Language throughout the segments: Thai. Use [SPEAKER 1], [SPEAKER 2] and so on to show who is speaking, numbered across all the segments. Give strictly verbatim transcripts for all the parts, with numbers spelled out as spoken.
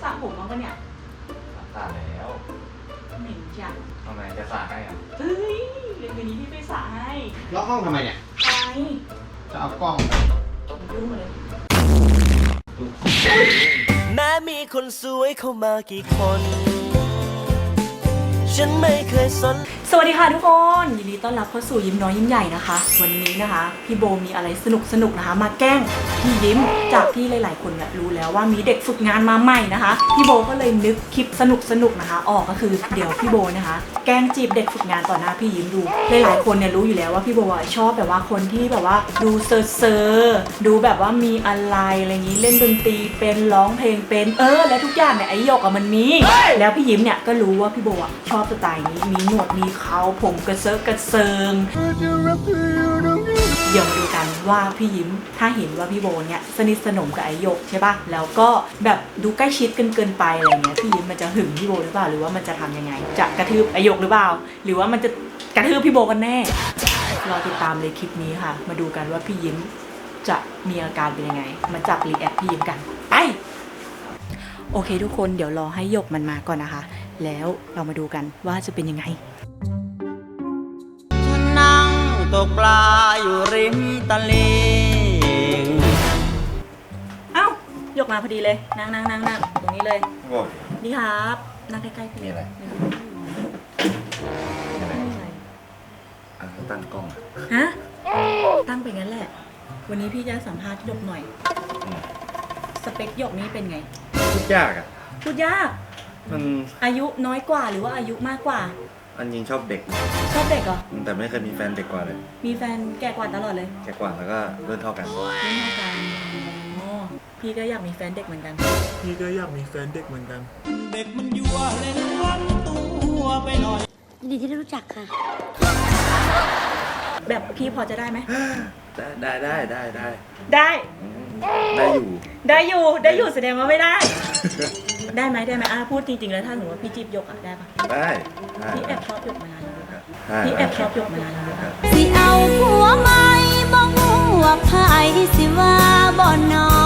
[SPEAKER 1] สระผมมั้งปะเนี่ย
[SPEAKER 2] สระแล้ว
[SPEAKER 1] เหม็นจัง
[SPEAKER 2] ทำไมจะสระให้อ่ะ
[SPEAKER 1] เฮ้ยเดี๋ยวนี้พี่ไปสระให้
[SPEAKER 3] ล็อกห้องทำไมเนี่ย
[SPEAKER 1] ไป
[SPEAKER 3] จะเอากล้อง
[SPEAKER 1] ยุ่งเลย
[SPEAKER 4] แม้มีคนสวยเข้ามากี่คนฉันไม่เคยสน
[SPEAKER 1] สวัสดีค่ะทุกคนยินดีต้อนรับเข้าสู่ยิ้มน้อยยิ้มใหญ่นะคะวันนี้นะคะพี่โบมีอะไรสนุกสนุกนะคะมาแกล้งพี่ยิ้มจากที่หลายๆคนเนี่ยรู้แล้วว่ามีเด็กฝึกงานมาใหม่นะคะพี่โบก็เลยนึกคลิปสนุกสนุกนะคะออกก็คือเดี๋ยวพี่โบนะคะแกล้งจีบเด็กฝึกงานต่อหน้าพี่ยิ้มดูหลายๆคนเนี่ยรู้อยู่แล้วว่าพี่โบชอบแบบว่าคนที่แบบว่าดูเซอร์เซอร์ดูแบบว่ามีอะไรอะไรอย่างนี้เล่นดนตรีเป็นร้องเพลงเป็นเออและทุกอย่างเนี่ยไอ้หยกอะมันมีแล้วพี่ยิ้มเนี่ยก็รู้ว่าพี่โบชอบสไตล์นี้มีหนวดมีเขาผมกระเซาะกระเซิงเดี๋ยวมาดูกันว่าพี่ยิ้มถ้าเห็นว่าพี่โบเนี่ยสนิทสนมกับไอหยกใช่ป่ะแล้วก็แบบดูใกล้ชิดกันเกินไปอะไรเงี้ยพี่ยิ้มมันจะหึงพี่โบหรือเปล่าหรือว่ามันจะทำยังไงจะกระทืบไอหยกหรือเปล่าหรือว่ามันจะกระทืบพี่โบกันแน่รอติดตามเลยคลิปนี้ค่ะมาดูกันว่าพี่ยิ้มจะมีอาการเป็นยังไงมาจับรีแอคพี่ยิ้มกันไปโอเคทุกคนเดี๋ยวรอให้หยกมันมาก่อนนะคะแล้วเรามาดูกันว่าจะเป็นยังไง
[SPEAKER 4] ฉันนั่งตกปลาอยู่ริมตลิ่ง
[SPEAKER 1] เอ้าหยกมาพอดีเลยนั่งนั่งนั่งนั่งตรงนี้เลย
[SPEAKER 2] โอ้
[SPEAKER 1] นี่ครับนั่งใกล้ๆพี่
[SPEAKER 2] มีอะไร
[SPEAKER 1] อะไร
[SPEAKER 2] อ่ะตั้งกล้อง
[SPEAKER 1] ฮะตั้งไปงั้นแหละวันนี้พี่จะสัมภาษณ์หยกหน่อยสเปคหยกนี้เป็นไง
[SPEAKER 2] พูดยากอ่ะ
[SPEAKER 1] พูดยาก
[SPEAKER 2] มัน
[SPEAKER 1] อายุน้อยกว่าหรือว่าอายุมากกว่า
[SPEAKER 2] อันยิงชอบเด็ก
[SPEAKER 1] ชอบเด็กเหรอ
[SPEAKER 2] แต่ไม่เคยมีแฟนเด็กกว่าเลย
[SPEAKER 1] มีแฟนแก่กว่าตลอดเลย
[SPEAKER 2] แก่กว่าแล้วก็รุ่นเท่ากัน
[SPEAKER 1] รุ่นเท่ากันอ๋อพี่ก็อยากมีแฟนเด็กเหมือนกัน
[SPEAKER 5] พี่ก็อยากมีแฟนเด็กเหมือนกัน
[SPEAKER 4] เด็กมันยั่วเล่นวันตัวไปหน่อย
[SPEAKER 6] ยินดีที่ได้รู้จักค่ะ
[SPEAKER 1] แบบพี่พอจะได้ไหม
[SPEAKER 2] ได้ได้ได้ได้
[SPEAKER 1] ได้
[SPEAKER 2] ได้ได้อยู่
[SPEAKER 1] ได้อยู่ได้อยู่แสดงว่าไม่ได้ได้ไหมได้ไหมอ่ะพูดจริงๆแล้วถ้าหนูว่าพี่จีบหยกอ่ะได้ปะ
[SPEAKER 2] ได้
[SPEAKER 1] พี่แอบชอบหยกมานานแล้วพี่แอบชอบหยกมานานแล้ว
[SPEAKER 6] สิเอาผัวใหม่บ่งูว่าไผสิว่าบ่นอ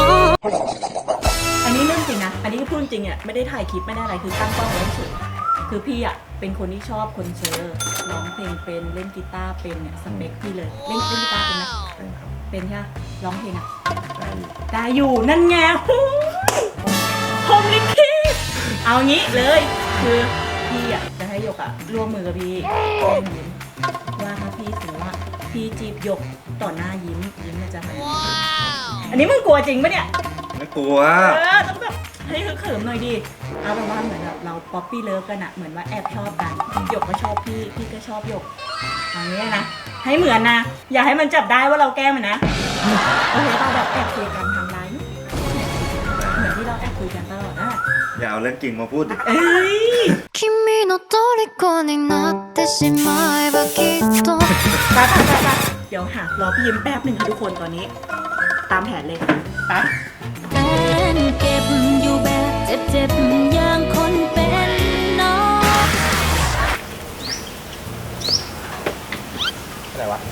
[SPEAKER 1] อันนี้เรื่องจริงนะอันนี้พูดจริงอ่ะไม่ได้ถ่ายคลิปไม่ได้อะไรคือตั้งกล้องไว้เฉยคือพี่อ่ะเป็นคนที่ชอบคนเซอร์ร้องเพลงเป็นเล่นกีตาร์เป็นเนี่ยสเปคพี่เลยเล่นเล่นกีตาร์เป็นไหมเป็นใช่ร้องเพลงอ่ะได้อยู่นั่นไงพรหมลิขิตเอางี้เลยคือพี่อ่ะจะให้หยกอ่ะร่วมมือกับพี่แกล้งยิ้มว่าถ้าพี่ถือว่าพี่จีบหยกต่อหน้ายิ้มยิ้มจะทำอันนี้มึงกลัวจริงปะเนี่ย
[SPEAKER 2] ไม่กลัว
[SPEAKER 1] เออต้องแบบให้เขิมหน่อยดิเอาแบบว่าเหมือนแบบเราป๊อปปี้เลิฟกันอะเหมือนว่าแอบชอบกันหยกก็ชอบพี่พี่ก็ชอบหยกอย่างนี้นะให้เหมือนนะอย่าให้มันจับได้ว่าเราแกล้งมันนะโอเคเราแบบแอบคุยกันทางไลน์เหมือนที่เราแอบคุยกันตลอดนะ
[SPEAKER 2] อย่าเอาเรื่องจริงมาพูดดิ
[SPEAKER 1] เอ้ย
[SPEAKER 6] 君の虜になってしまえばきっと
[SPEAKER 1] ไปไปไปไปเดี๋ยวหารอพี่ยิ้มแป๊บหนึ่งค่ะทุกคนตอนนี้ตามแผนเลยไป
[SPEAKER 6] แฟนเก็บอยู่แบบเจ็บๆอย่างคนเป็นน้อง
[SPEAKER 3] อะไรวะ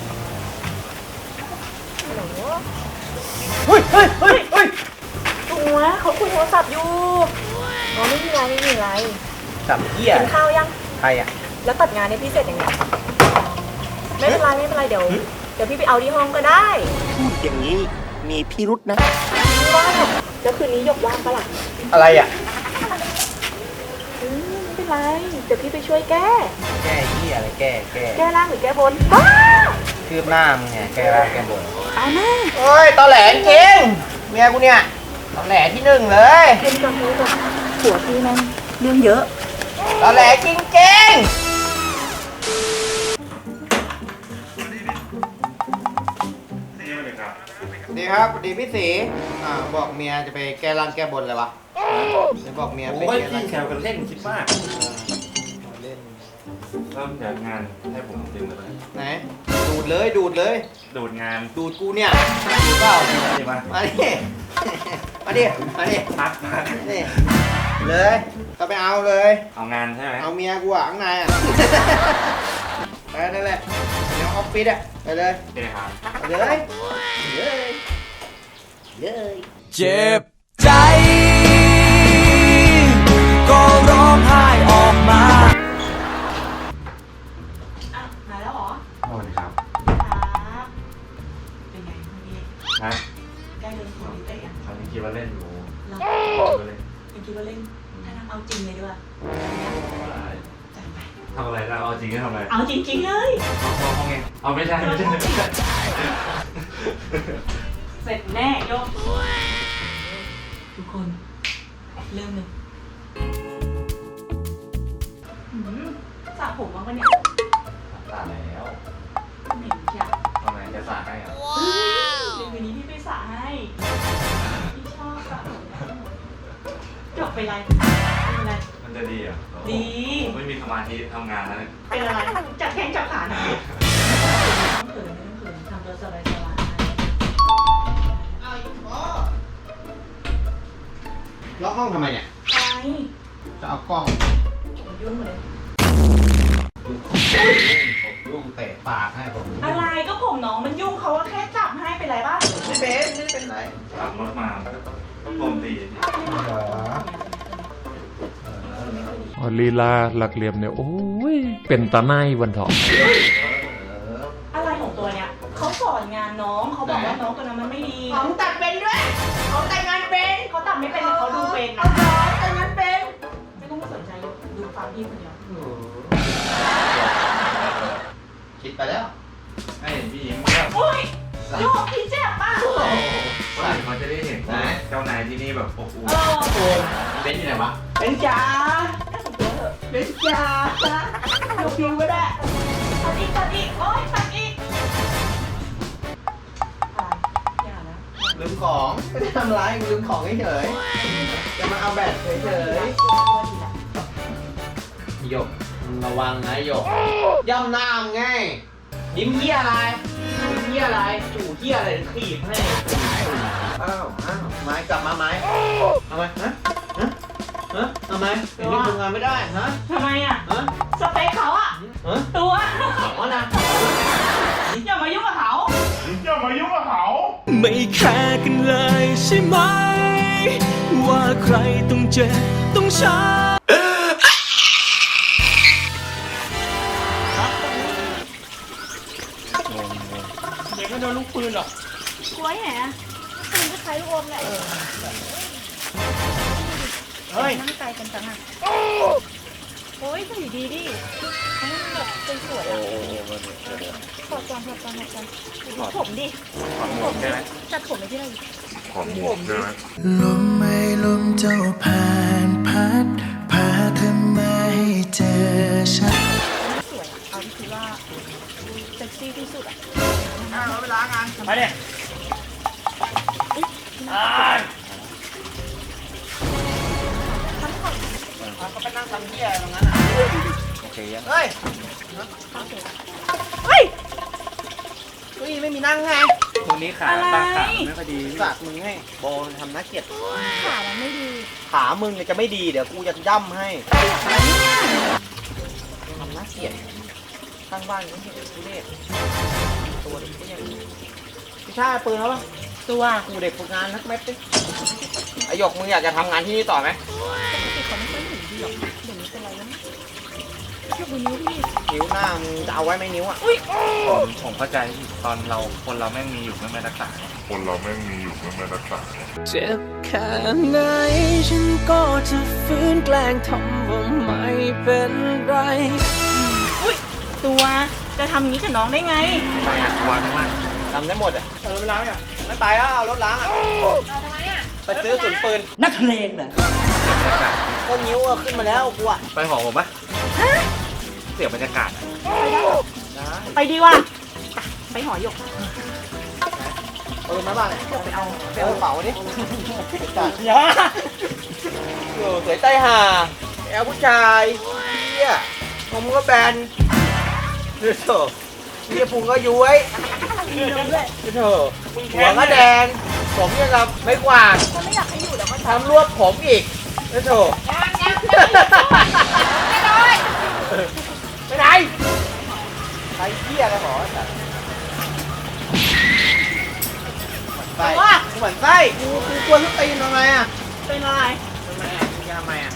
[SPEAKER 1] เฮ้ยเฮ้ยเฮ้ยเฮ้ยตัวเขาคุยโทรศัพท์อยู่อ๋อไม่มีไรไม่มีไร
[SPEAKER 3] สับเหี้ย
[SPEAKER 1] กินข้าวยัง
[SPEAKER 3] ใครอ่ะ
[SPEAKER 1] แล้วตัดงานเนี่ยพี่เสร็จยังไงไม่เป็นไรไม่เป็นไรเดี๋ยวเดี๋ยวพี่ไปเอาที่ห้องก็ได้
[SPEAKER 4] พูดอย่างนี้มีพิรุษนะ
[SPEAKER 1] ไม่ว่าหรอกแล้วคืนนี้หยกว่างปะล่ะ
[SPEAKER 3] อะไรอ่ะ
[SPEAKER 1] อืมไม่เป็นไรเดี๋ยวพี่ไปช่วยแก้
[SPEAKER 3] แก้เหี้ยอะไรแก้แก้
[SPEAKER 1] แก้ล่างหรือแก้บนบ้า
[SPEAKER 3] คืบหน้ามึงไงแก้ล่างแก้บน
[SPEAKER 1] เอาแม่
[SPEAKER 3] เฮ้ยตอแหลจริงเมียกูเนี่ยตอแหลที่หนึ่งเลย
[SPEAKER 1] เป็นก่อนเลยก่อนหัวพี่นั่นเรื่องเยอะ
[SPEAKER 3] ตอแหลจริงจริงดีครับดีพี่สีอ่าบอกเมียจะไปแก้ร่างแก้บนเลยวะจะบอกเมียไป
[SPEAKER 2] แก้ร่างแก้บนเล่นคิดมากเล่นเริ่มจากงานให้ผมดึงเลย
[SPEAKER 3] ไหนดูดเลยดูดเลย
[SPEAKER 2] ดูดงาน
[SPEAKER 3] ดูดกูเนี่ยดูดเปล่า
[SPEAKER 2] มา
[SPEAKER 3] มาดิมาดิมาดิ
[SPEAKER 2] พักพัก
[SPEAKER 3] นี่เลยก็ไปเอาเลย
[SPEAKER 2] เอางานใช่ไหม
[SPEAKER 3] เอาเมียกูอ่ะข้างในอ่ะไปนั่นแหละเดี๋ยวออฟฟิศอ่ะไปเลย
[SPEAKER 2] ไปเลยครับ
[SPEAKER 3] ไปเลยเลยเลย
[SPEAKER 4] เจ็บใจ
[SPEAKER 1] เราเป็นคิดว่าเล่นถ้าทำเอาจริงเลยด้วยจัดไป
[SPEAKER 2] ทำอะไรนะเอาจริงก็ทำอะไร
[SPEAKER 1] เอาจริงๆเลย
[SPEAKER 2] เอาเอาไงเอาไม่ใช่ไม่ใช่ไม่ใช่
[SPEAKER 1] เสร็จแน่โยกทุกคนเริ่มเลยอืมสระผมบ้างปะเนี่ย
[SPEAKER 2] ตาแล้ว
[SPEAKER 1] เหม็นจัง
[SPEAKER 2] ทำไมจะสาให้อ่ะ
[SPEAKER 1] เดี๋ยววันนี้พี่ไปสระให้พี่ชอบสระผมจบไปไรเป็นไร
[SPEAKER 2] มันจะดีอ่ะ
[SPEAKER 1] ดี
[SPEAKER 2] ผมไม่มีสมาธิทำงานแล้วเนี่ย
[SPEAKER 1] เป็นอะไรจับแข้งจับขาหน่อยไม่ต้องเขินไม่ต้องเขินทำตัวสบายสบาย
[SPEAKER 3] เอาอีกพ่อล็อกห้องทำไมเนี่ย
[SPEAKER 1] ไป
[SPEAKER 3] จะเอากล้อง
[SPEAKER 1] ผมยุ่งเลย
[SPEAKER 3] ลูกเตะปากให้ผม
[SPEAKER 1] อะไรก็ผมน้องมันยุ่งเขาก็แค่จับให้เป็นไรบ้าง
[SPEAKER 3] ไม่เป็นไม่เป็นไร
[SPEAKER 2] ขับรถมาก็โดนตี
[SPEAKER 5] อ๋อลีลาหลักเหลี่ยมเนี่ย โอ้ย เป็นตาไนวันเถาะ
[SPEAKER 1] อะไรของตัวเนี้ยเขาสอนงานน้องเขาบอกว่าน้องตัวนั้นมันไม่ดี
[SPEAKER 7] ของตัดเป็นด้วยของแต่งงานเป็น
[SPEAKER 1] เขาตัดไม่เป็นแต่เขาดูเป็น
[SPEAKER 7] เอา
[SPEAKER 1] นะ
[SPEAKER 7] เหรอแต่งงานเป็น
[SPEAKER 1] ไม่ต้องมาสนใจดูฟังพี่คนเดียว
[SPEAKER 3] คิดไปแล้ว
[SPEAKER 2] ให้พี่ยิ้มว่า
[SPEAKER 1] โอ้ยโยกพี่เจ็บป่ะ
[SPEAKER 2] ใส่เขาจะได้เห็นเจ้านายที่นี่แบบอบอุ่น
[SPEAKER 1] เออ
[SPEAKER 3] โอ้ยเป็นที่ไหนวะ
[SPEAKER 7] เป็นจ๋า
[SPEAKER 1] แค่ผมตัวเถอะ
[SPEAKER 7] เป็นจ๋าดูพิวก็ได้
[SPEAKER 1] ตัดอีกตัดอีกโอ้ยตัดอีกอะไรอย่านะ
[SPEAKER 3] ลืมของไม่ได้ทำร้ายกูลืมของเฉยๆจะมาเอาแบตเฉยๆหยกมึงระวังนะหยกย่ำหน้ามึงไงยิ้มเหี้ยอะไรยิ้มเหี้ยอะไรจู่เหี้ยอะไรขีบให้อ้าวอ้าวไม้กลับมาไม้เอาไหมฮะฮะฮะเอาไหมเดี๋ยวนี้ทำงานไม่ได้ฮะ
[SPEAKER 1] ทำไมอ่ะ
[SPEAKER 3] ฮะ
[SPEAKER 1] สเปคเขาอ่ะ
[SPEAKER 3] ฮะ
[SPEAKER 1] ตัว
[SPEAKER 3] อ๋อนะ
[SPEAKER 1] อย่ามายุ่งกับเขา
[SPEAKER 8] ไม่แคร์กันเลยใช่ไหม ว่าใครต้องเจ็บต้องช้ำ
[SPEAKER 7] เด็กก็โดนลูกปืนหรอก
[SPEAKER 6] กล้วยแหะปืนก็ใช้ลูกอมแหละ
[SPEAKER 3] เฮ้ย
[SPEAKER 6] นั่งไกลกันจังอ่ะโอ้ยสวยดีดิให้มันแบบสวยๆอ่ะถอดก่อนถอดก่อนถอดก่อนดูผมดิ
[SPEAKER 2] ถอดหมวกใช่ไหม
[SPEAKER 6] จัดผมไปที่ไหน
[SPEAKER 2] ถอดหมวกใช่ไหม
[SPEAKER 8] ลมไม่ลมเจ้าผ่านพัดพาเธอมาให้เจอฉัน
[SPEAKER 6] ไม่สวยอ่ะเอาที่คิดว่าเซ็กซี่ที่สุดอ่ะ
[SPEAKER 7] ไปเนี่ย
[SPEAKER 3] เขาไปนั่งทำเหี้ยตรงนั้นอ่ะ
[SPEAKER 2] โอเคยัง
[SPEAKER 3] เฮ้ย
[SPEAKER 6] เฮ้ย
[SPEAKER 3] เฮ้ยไม่มีนั่งไง
[SPEAKER 2] วันนี้ขาตาขาไม่ค่อยดี
[SPEAKER 3] สักมึงให้โบทำน่าเกลียด
[SPEAKER 6] ขามันไม่ดี
[SPEAKER 3] ขามึงเนี่ยจะไม่ดีเดี๋ยวกูจะย่ำให้ทำน่าเกลียดข้างบ้านก็เห็นทุเรศตัวเด็กก็ยังพี่ชายปืนแล้วปะ
[SPEAKER 1] ตัว
[SPEAKER 3] กูเด็กฝึกงานนักเม็ดดิไอหยกมึงอยากจะทำงานที่นี่ต่อไหม
[SPEAKER 6] ปกติเขาไม่ค่อยหนีดีหรอกเดี๋ยวนี้เป็นไรแล้วยกมือนิ้วพี่
[SPEAKER 3] นิ้วหน้ามึงจะเอาไว้ไหมนิ้วอ่ะ
[SPEAKER 2] ผมผมเข้าใจตอนเราคนเราแม่งมีอยู่ไม่ไม่รักษา
[SPEAKER 8] เจ็บแค่ไหนฉันก็จะฝืนแกล้งทำว่าไม่เป็นไร
[SPEAKER 1] อุ้ยตัวจะทำอย่างนี้กับน้องได้ไง
[SPEAKER 2] ไปอ่ะวันมาก
[SPEAKER 3] ทำได้หมดอ่ะ
[SPEAKER 7] เออเวลาเนี่ย
[SPEAKER 3] ไม่ไปแล้วเอารถล้างอ่ะไปซื้อกระสุนปืน
[SPEAKER 7] นักเลงเหรอ
[SPEAKER 3] ก็นิ้วอะขึ้นมาแล้วกูอ่ะ
[SPEAKER 2] ไปหอผมปะเสียบรรยากาศ
[SPEAKER 1] ไปดีว่ะไปหอหยก
[SPEAKER 3] ปืนมาบ้างเนี่ย
[SPEAKER 1] ไปเอา
[SPEAKER 3] ไปเอากระเป๋าดิจัด
[SPEAKER 7] อย่า
[SPEAKER 3] อยู่สวยใต้ห่าแอลผู้ชายเฮียผมก็แบนดูโถเฮียพุงก็ย้วยดูโถหัวก็แดง ผมยังกับไม่กวาด
[SPEAKER 6] เขาไม่อยากให้อยู่แล้วก็
[SPEAKER 3] ทำรวบผมอีกดูโถไปไหนใครเฮียอะไรหรอสัตว์หมั่นไส้กูหมั่นไส้กูกูกลัวทุกตีนทำไมอ่ะ
[SPEAKER 1] เป็นอะไร
[SPEAKER 3] ทำไมอ่ะมึงจะทำไมอ่ะ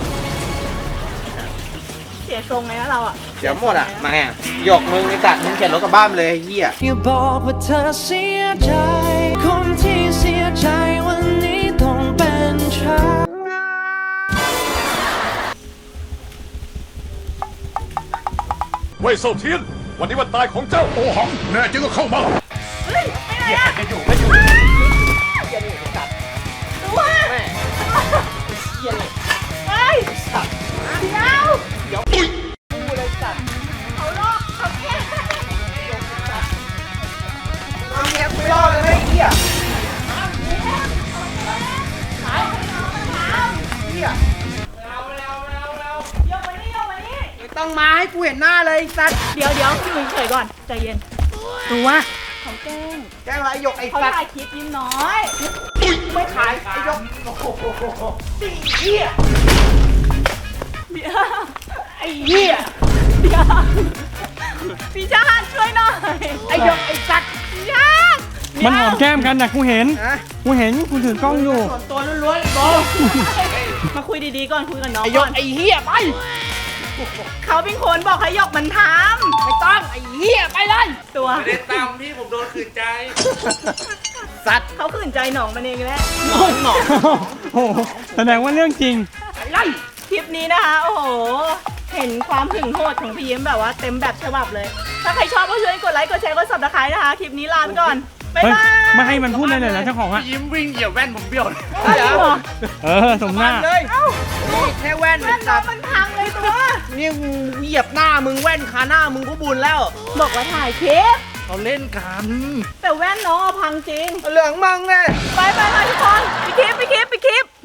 [SPEAKER 1] เสียทรงเลยนะเราอ่ะ
[SPEAKER 3] เดี๋ยวหมดอ่ะมาอ่ะหยกมึงไอ้สัตว์มึงเข็นรถกลับบ้านเลยไอ้เหี้ย
[SPEAKER 8] อย่าบอกว่าเธอเสียใจ คนที่เสียใจวันนี้ต้องเป็นฉ
[SPEAKER 9] ว่ยเซาเทียน วันนี้วันตายของเจ้าโอหังแน่จริงก็เข้ามา
[SPEAKER 6] เฮ้ยไปไหนอะ
[SPEAKER 3] จะอยู่ไม่อยู่
[SPEAKER 6] ตัว
[SPEAKER 3] แม่เหี้ยอะไร
[SPEAKER 6] เฮ้ยเดี๋ยว
[SPEAKER 3] เดี๋ยวกูเลยสัตว์
[SPEAKER 6] เขาลอกเขาแก้
[SPEAKER 3] เอาเมียกูไม่รอดเลยไอ้เหี้ยเหี้ย
[SPEAKER 6] ยกมานี่ยกมานี่
[SPEAKER 3] ไม่ต้องมาให้กูเห็นหน้าเลยไอ้สัตว์
[SPEAKER 6] เดี๋ยวเดี๋ยวอยู่เฉยๆก่อนใจเย็น
[SPEAKER 3] ตัว
[SPEAKER 6] เขาแกล้ง
[SPEAKER 3] แกล้งอะไรไอ้หยกไอ้
[SPEAKER 6] เขา
[SPEAKER 3] สัตว์
[SPEAKER 6] ถ่ายคลิปยิ้มน้อย
[SPEAKER 3] ไม่ขายไอ้หยกโอ้โหตีเหี้ย
[SPEAKER 6] เดี๋ยว
[SPEAKER 3] ไอ้เหี้ย
[SPEAKER 6] เดี๋ยวพี่ชาติช่วยหน่อย
[SPEAKER 3] ไอ้หยกไอ้สัตว์
[SPEAKER 6] พี่ชาติ
[SPEAKER 10] มันหอมแก้มกันนะกูเห็น
[SPEAKER 3] ฮะ
[SPEAKER 10] กูเห็นกูถือกล้องอยู่
[SPEAKER 3] ส่วนตัวล้วนๆโบ
[SPEAKER 6] มาคุยดีๆก่อนคุยกับน้อง
[SPEAKER 3] ไอ้หย
[SPEAKER 6] ก่
[SPEAKER 3] ก
[SPEAKER 6] อน
[SPEAKER 3] ไอ้เหี้ยไป
[SPEAKER 6] เขาเป็นคนบอกให้หยกมันท
[SPEAKER 3] ไม่ต้องไอ้เหี้ยไปเลย
[SPEAKER 6] ำตัว
[SPEAKER 2] ไม่ได้ตามพี่ผมโดนขืนใจ
[SPEAKER 3] สัตว์
[SPEAKER 6] เขาขืนใจหนองมันเองแหละ
[SPEAKER 3] หนองหนอง
[SPEAKER 10] โอ้โหแสดงว่าเรื่องจริง
[SPEAKER 3] ไปเลย
[SPEAKER 6] คลิปนี้นะคะ โอ้โห เห็นความหึงโหดของพี่ยิ้มแบบว่าเต็มแบบฉบับเลย ถ้าใครชอบก็ช่วยกดไลค์ กดแชร์ กด ซับสไครบ์นะคะ คลิปนี้ลาไปก่อน บ๊าย
[SPEAKER 10] เฮ้ย
[SPEAKER 6] บาย
[SPEAKER 10] ไม่ให้มันพูดเลยเลยนะเจ้าของอะ
[SPEAKER 2] ยิ้มวิ่งเหยียบแว่นผมเบี้ยวเลย
[SPEAKER 6] อ้าวจริงเหรอ
[SPEAKER 10] เออสมหน้า
[SPEAKER 3] เลย
[SPEAKER 6] เอ้า
[SPEAKER 3] นี่แค่แว่น
[SPEAKER 6] แว่นน้
[SPEAKER 3] สั
[SPEAKER 6] อง
[SPEAKER 3] ตว์
[SPEAKER 6] มันพังเลยตัว
[SPEAKER 3] นี่มึงเหยียบหน้ามึงแว่นคาหน้ามึงก็บุญแล้ว
[SPEAKER 6] บอกว่าถ่ายคลิป
[SPEAKER 2] เขาเล่นกัน
[SPEAKER 6] แต่แว่นน้องอะพังจริง
[SPEAKER 3] เหลืองมังเลย
[SPEAKER 6] ไปไปไปทุกคนไปคลิปไปคลิปไปคลิป